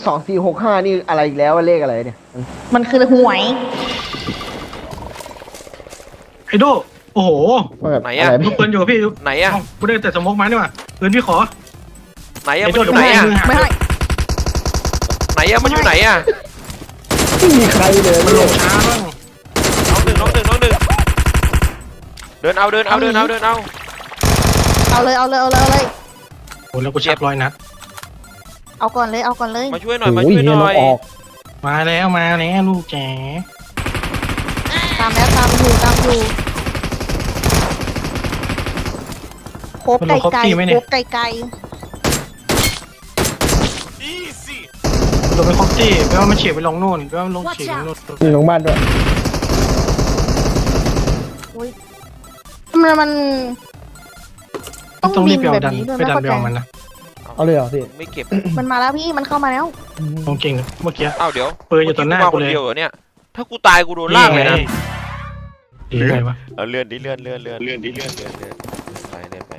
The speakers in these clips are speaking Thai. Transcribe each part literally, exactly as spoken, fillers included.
สองสี่หกห้านี่อะไรอีกแล้วเลขอะไรเนี่ยมันคือหวยไอโดโอ้โหไหนอะไรลูกปืนอยู่กับพี่ไหนอะกูได้แต่สมกมานี่หว่าปืนพี่ขอไหนอะไอ้มันโดอยู่ไหนอะไม่ให้ไหนอะมันอยู่ไหนอะไม่มีใครเลยมันลงช้าบ้างน้องหนึ่งน้องหนึ่งน้องหนึ่งเดินเอาเดินเอาเดินเอาเดินเอาเอาเลยเอาเลยเอาเลยเอาเลยโอ้แล้วกูชักร้อยนัดเอาก่อนเลยเอาก่อนเลยมาช่วยหน่อยมาโอ้ยช่วยหเฮียน่เราอยออกมาแล้วมาแล้วลูกแจ๋ตามแล้วตามอยู่ตามอยู่โคบไก่ไก่โคบไก่ไก่โดนไปคอปตี้แปลว่ามันเฉียบไปลงโน่นแปลว่ามันลงเฉียบไปลงโน่นมีโรงพยาบาลด้วยมันมันต้องรีบไปเอาแบบดันนี้ด้วยไปดันไม่ไปเข้าเอาใจมันนะเอาเลยเหรอพี่ไม่เก็บมันมาแล้วพี่มันเข้ามาแล้วลงเก่งเมื่อกี้อ้าวเดี๋ยวปืนอยู่ต่อหน้ามากูคนเลยเดียวเหรอเนี่ยถ้ากูตายกูโดนลากเลยนะดีไงวะเอาเลื่อนดิเลื่อนเลื่อนเลื่อนเลื่อนดิเลื่อนเลื่อนเลื่อนไปเลื่อนไป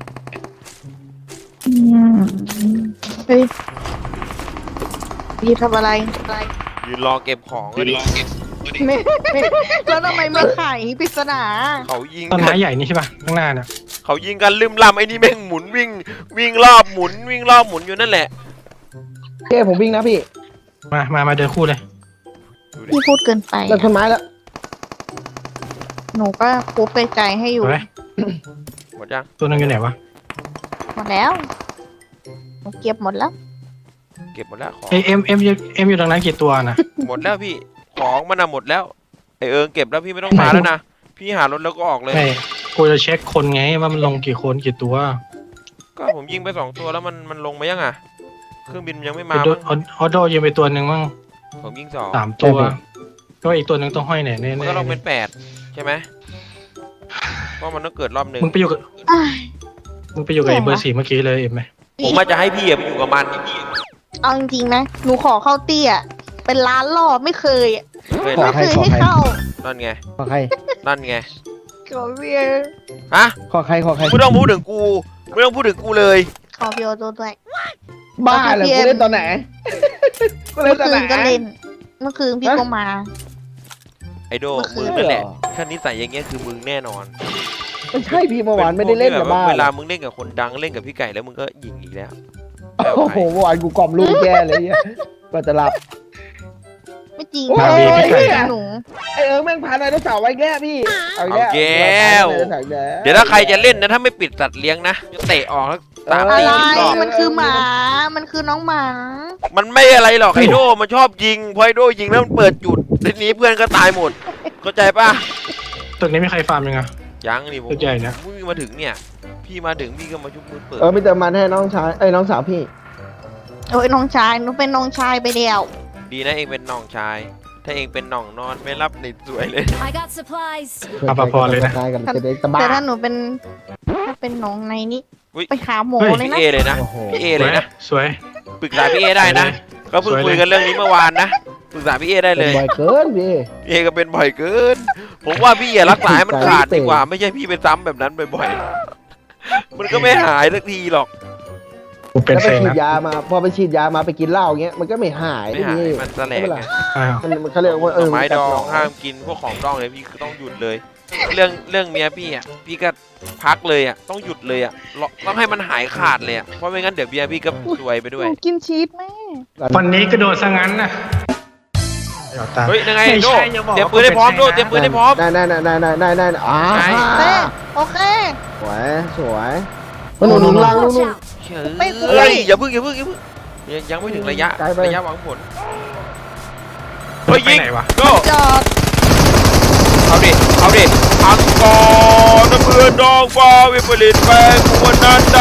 เฮ้ยพี่ทำอะไรอะไรยืนรอเก็บของก็ดิไม่แล้วทำไมไม่ไขปริศนาเขายิงต้นกัไม้นใหญ่นี่ใช่ป่ะข้างหน้าน่ะเขายิงกันลืมลำไอ้นี่แม่งหมุนวิ่งวิ่งรอบหมุนวิ่งรอบหมุนอยู่นั่นแหละเก้ผมวิ่งนะพี่มามามาเดินคู่เลยดูดิพี่พูดเกินไปเลิกต้นไม้แล้วหนูก็โคบไก่ไก่ให้อยู่เอาไหมหมดยังตัวนึงอยู่ไหนวะหมดแล้วหนูเก็บหมดแล้วเก็บหมดแล้วของเอ็มเอ็มเอ็มเอ็มอยู่ตรงนั้นกี่ตัวนะหมดแล้วพี่ของมันอะหมดแล้วไอเอิงเก็บแล้วพี่ไม่ต้องมาแล้วนะพี่หารถแล้วก็ออกเลยไม่กูจะเช็คคนไงว่ามันลงกี่คนกี่ตัวก็ผมยิงไปสองตัวแล้วมันมันลงมายังอ่ะเครื่องบินยังไม่อมาอโดมั้งออโดยิงไปตัวหนึ่งมั้งผมยิงสองสามตัวก็อีกตัวหนึ่งต้องห้อยไหนแน่มันก็ต้องเป็นแปดใช่ไหมเพราะมันต้องเกิดรอบหนึ่งมึงไปอยู่กับอ้ายมึงไปอยู่กับไอ้เบอร์สี่เมื่อกี้เลยเอ็มไหมผมอาจจะให้พี่อะไปอยู่กับมันเอาจริงๆนะ หนูขอเข้าเตี้ย เป็นล้านรอบไม่เคยอะเคยขอรัไม่บเคยให้เข้านั่นไงขอใครนั่นไงขอเบียร์ฮะขอใครขอใครไม่ต้องพูดถึงกูไม่ต้องพูดถึงกูเลยขอเบียร์ตัวด้วยบ้าเหรอกูเล่นตอนไหนกูเล่เมื่นอตอนคืไหนนก็เล่น เมื่อคืนพี่ก็มาไอโดเมื่อคืมึนงนั่นแหละถ้านิสัยอย่างเงี้ยคือมึงแน่นอนไม่ใช่พี่เมื่อวานไม่ได้เล่นกับบ้าเวลามึงเล่นกับคนดังเล่นกับพี่ไก่แล้วมึงก็ยิงอีกแล้วโอ้โหเมื่อวานกูกล่อมลูกแย่เลยเนี่ยก็จะหลับไม่จริงโอ้ยไม่จริงหนูไอเอิงแม่งพาไดโนเสาร์ไว้แก้พี่เอาอีกแล้วเดี๋ยวถ้าใครจะเล่นนะถ้าไม่ปิดสัตว์เลี้ยงนะจะเตะออกแล้วตามอะตีไรอีกรอบมันคือหมา มันคือน้องหมามันไม่อะไรหรอกไอโดมันชอบยิงพอไอโดยิงแล้วมันเปิดจุดทีนี้เพื่อนก็ตายหมดเข้าใจป่ะตึกนี้มีใครฟาร์มยังไงยังนี่ผมตึกใหญ่นะพี่มาถึงเนี่ย พี่มาถึงพี่ก็มาชุบมือเปิดเออไม่เติมมันให้น้องชายไอ้น้องสาวพี่โอ้ยน้องชาย หนูเป็นน้องชายไปเดียวดีนะเองเป็นน้องชาย ถ้าเองเป็นน้องนอนไม่รับในสวยเลย I got supplies. อาภาพรเลยนะกายกันจะได้สบายแต่ถ้าหนูเป็น ถ้าเป็นน้องในนี้อุ๊ยไปหาหมอเฮ้ยเลยพี่นะเอเลยนะโอ้โหพี่เอเลยนะสวยปรึกษาพี่เอได้นะก็เพิ่งสวยเลยคุยกันเรื่องนี้เมื่อวานนะปรึกษาพี่เอได้เป็เลนยบ่อยเกินพี่พี่เอก็เป็นบ่อยเกิน ผมว่าพี่อย่ารักษาให้มันขาดดีกว่า ไม่ใช่พี่ไปซ้ำแบบนั้นบ่อยๆมันก็ไม่หายสักทีหรอกกูเป็นแล้วเซไปฉีดนะยามาพอไปฉีดยามาไปกินเหล้าเงี้ยมันก็ไม่หายไม่หายพี่มันแสลงไงอ้าวมันมันเขาเรียกว่าหเอน่ออไม้ดองมันห้ามกินพวกของดองเลยพี่คือต้องหยุดเลย เรื่องเรื่องเมียพี่อ่ะพี่ก็พักเลยอ่ะต้องหยุดเลยอ่ะต้องให้มันหายขาดเลยอ่ะเพราะไม่งั้นเดี๋ยวเมียพี่ก็ซวยไปหด้วยนูกินชีสแม่วันนี้กระโดดซะงั้นนะเดี๋ยวตามเฮ้ยยังไงไม่โดใช่อย่าบอกเตรียมปืนให้พร้อมโดเตรียมปืนให้พร้อมได้ได้ได้ได้ได้ได้ได้อ่าใช่เต้โอเคสวยสวยมันหนุนหนุนล่างนู่น Watch นู่น out. ไม่เคยเฮ้ยอย่าพึ่งอย่าพึ่งอย่าพึ่งยังยังไม่ถึงระยะไกลไประยะหวังผลเฮ้ยไปยิงไหนวะโดจอดเอาดิเอาดิอังกอร์น้ำเพื่อนดองฟ้าวิปริตแปลงวันนั้นใด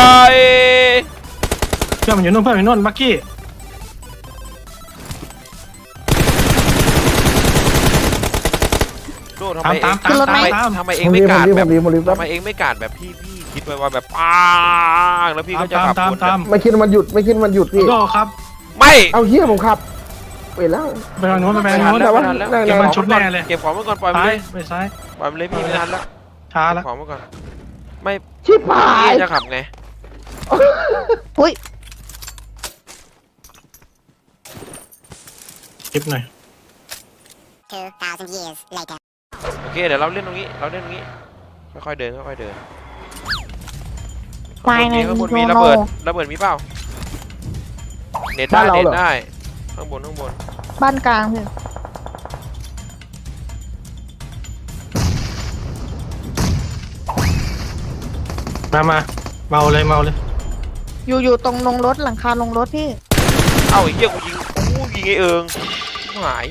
เพื่อนมันอยู่นู่นเพื่อนมันอยู่นู่นบักกี้โดทำไมตามเองตามตามทำไมตามทำไมเองผมไม่รีบกาดผมรีบแบผบมรีบผมรีบทำไมเองไม่กาดแบบพี่พี่คิดไว้ว่าแบบปังแล้วพี่ก็จะตามขับตามรถตามไม่คิดว่ามันหยุดไม่คิดว่ามันหยุดพี่โดครับไม่เอาเฮียผมขับเปลี่ยนแล้วไปทางโน้นไปไม่ทางทันโน้นแล้วแต่ว่าไม่ทันแล้วนั่งเก็บมันชุดแน่เลยเก็บของไว้ก่อนปล่อยมันซ้าเลย ยไปซ้ายปล่อยมันเลยพี่ไม่ทันแล้วช้าเก็แล้วบของไว้ก่อนไม่ชิบหายพี่จะขับไงอุ้ยคลิปหน่อย two thousand years later. โอเคเดี๋ยวเราเล่นตรงนี้เราเล่นตรงนี้ค่อยๆเดินค่อยๆเดินตายในข้างบนโยมีโนระเบิดระเบิดมีเปล่าเน็ตได้เน็ตได้ข้างบนข้างบนบ้านกลางพี่มามาเมาเลยเมาเลยอยู่อยู่ตรงลงรถหลังคาลงรถพี่เอ้าไอ้เหี้ยกูยิงกูยิงไอ้เอิงหาย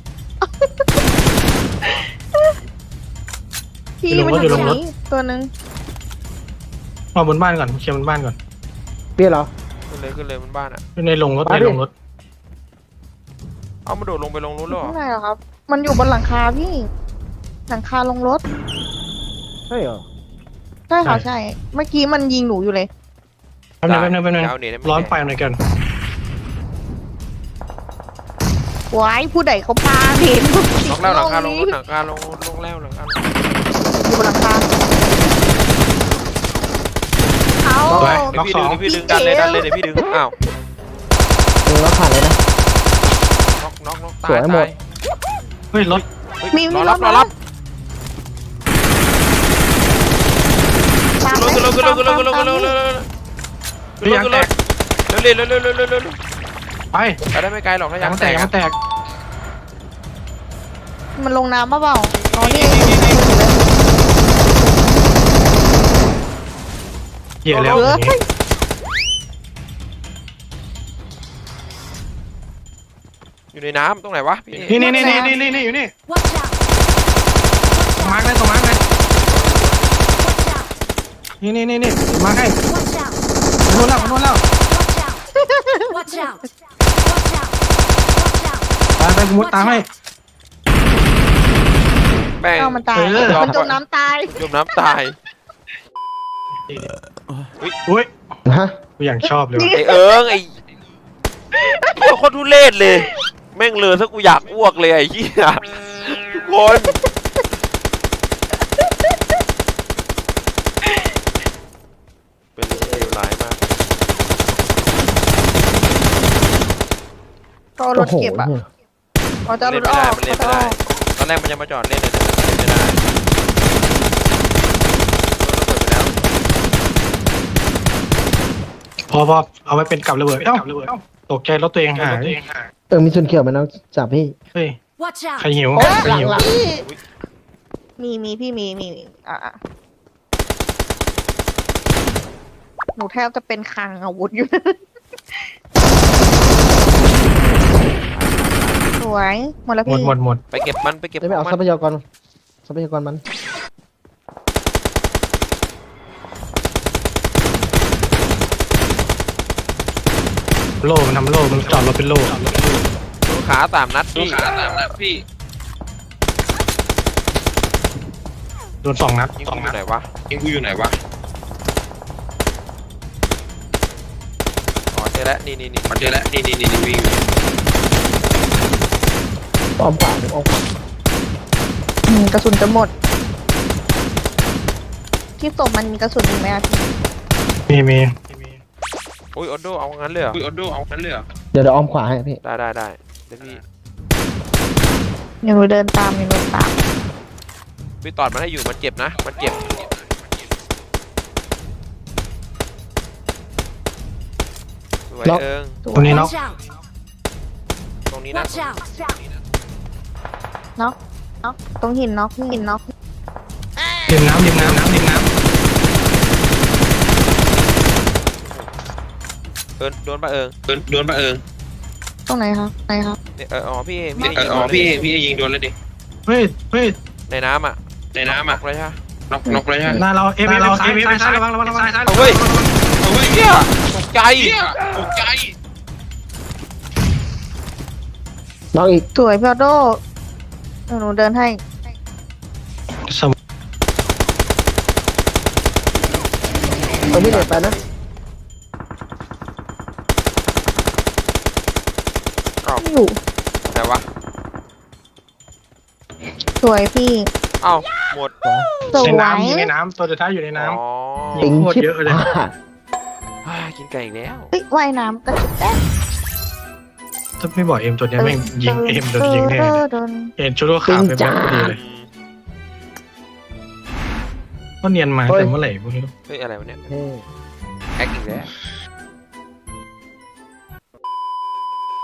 พี่มันอยู่ตรงนี้ตัวหนึ่งมาบนบ้านก่อนเคลียร์บนบ้านก่อนเปี้ยเหรอขึ้นเลยขึ้นเลยมันบ้านอ่ะในลงรถมาดิในลงรถเอามาโดดลงไปลงรถแล้วเหรอข้างในเหรอครับ มันอยู่บนหลังคาพี่ หลังคาลงรถใช่เหรอใช่ค่ะใช่ เมื่อกี้มันยิงหนูอยู่เลยแป๊บนึงแป๊บนึงแป๊บนึงเอาเน็ตได้ไหมร้อนไปหน่อยกันไว้ผู้ใดเขาพาเห็นล็อกแล้วหลังคาลงรถหลังคาลงลงแล้วหลังคาลงอยู่บนหลังคาเอาเดี๋ยวพี่ดึงเดี๋ยวพี่ดึงดันเลยดันเลยเดี๋ยวพี่ดึงอ้าวเออเราผ่านเลยนะน็อกน็อกน็อกสวยตายหมตาดยเฮ้ยรถเฮ้ยมีรมีอรรับถรอรับตามขึ้นรถขึ้นรถขึ้นรถตามขึ้นรถขึ้นรถตามขึ้นรถเฮ้ยยางขึ้นแตรกถเร็วเร็วเร็วเร็วเร็วเร็วไปไปได้ไม่ไกลหรอกถ้ายายาง งแตแตกกยางแตกมันลงน้ำป่ะเปล่าอ๋อนี่เหี้ยแล้วอย่างงี้อยู่ในน้ำตรงไหนวะพี่นี่นี่นี่นี่นี่นี่นี่อยู่นี่ Watch out! มาร์กเลยตรงมาร์กเลย Watch out! นี่นี่นี่นี่มาร์กให้ Watch out! โน่นแล้วโน่นแล้ว Watch out! Watch out! Watch out! Watch out! ไปไปกูมุดตามให้แม่งเอามันตายเออมันจมน้ำตายจมน้ำตายอุ้ยฮะกูอย่างชอบเลยว่ะไอเอิงไอเหี้ยโคตรทุเรศเลย แม่งเลยถ้ากูอยากอ้วกเลยไอ้เหี้ยทุกคนเป็นเรื่องที่เลวร้ายมากก็เอารโอ้ถโหเก็บอ่ะเนี่ยเขาจะเอารเล่นถไม่อได้อกมันเล่นเขาไม่จะได้ออกตอนแรกมันจะมาจอดเล่นเลยแต่มันเล่นไม่ได้โดนระเบิดไปแล้วพอพอเอาไว้เป็นกับระเบิดเอ้าตกใจรถตัวเองหายเออมีส่วนเกี่ยวไหมน้องจับพี่เฮ้ย Watch ใคร out! หิวโอ้ใครหลังหิวหลังพี่มีมีพี่มีมีมีอ่ะอ่ะหนูแทบจะเป็นคลังอาวุธอยู่ สวยหมดแล้วหมดพี่หมดหมดไปเก็บมันไปเก็บจะไม่เอามัทรัพยากรทรัพยากรมันโล่มันทำโล่มันจอดรถเป็นโล่ดูขาสามนัดพี่ขาสามนัดพี่โดนสองนัดยิงกูอยู่ไหนวะยิงกูอยู่ไหนวะอ๋อเจอแล้วนี่นี่นี่เจอแล้วนี่นี่นี่นี่วิ่งอ้อมขวาผมอ้อมขวาอืมกระสุนจะหมด ที่ศพมันมีกระสุนอีกไหมอะพี่มีมีอุ้ยออโดเอางั้นเลยเหรออุ้ยออโดเอางั้นเลยเหรอเดี๋ยวเดี๋ยวอ้อมขวาให้พี่ได้ได้ได้เดี๋ยวพี่ยังหนูเดินตามยังหนูตามพี่ตอดมันให้อยู่มันเจ็บนะมันเจ็บสวยเอิงตรงนี้เนาะ Watch out! ตรงนี้นะ Watch out! น็อกน็อกตรงหินน็อกหินน็อกดิมน้ำดิมน้ำน้ำดิมน้เอิงโดนปะเอิงโดนโดนปะเอิงตรงไหนครับไหนครับเนี่ยเอออ๋อพี่พี่เอออ๋อพี่พี่ยิงโดนเลยดิำเฮ้ยเฮ้ยในน้ำอ่ะในน้ำอ่ะเลยใช่ไหมน็อกน็อกเลยใช่ไหมหน้าเราเอฟเราเอฟซ้ายระวังระวังระวังซ้ายเอาเว้ยเอาเว้ยเหี้ยตกใจตกใจน้องอีกสวยพี่ออโต้เดี๋ยวหนูเดินให้สมเอาพี่เด็ดไปนะอ้าวอยู่ไหนวะสวยพี่อ้าวหมดสวในยน้ำอยู่ในน้ำตัวสุดท้ายอยู่ในน้อ๋อปิงโคตรชิบเยอะเลยพลาดอ่ากินไก่อีกแล้วเฮ้ยว่ายน้ำกระจุกแป๊ะถ้าไม่บอกเอ็มตัวเนี้ยแม่งยิงเอ็มโดนยิงแน่เลยโดนเอ็มชุดว่าขาไปแบบพอดีเลยก็เนียนมาแต่เมื่อไหร่พวกนี้เฮ้ยอะไรวะเนี่ยเฮ้ยแอคอีกแล้วเ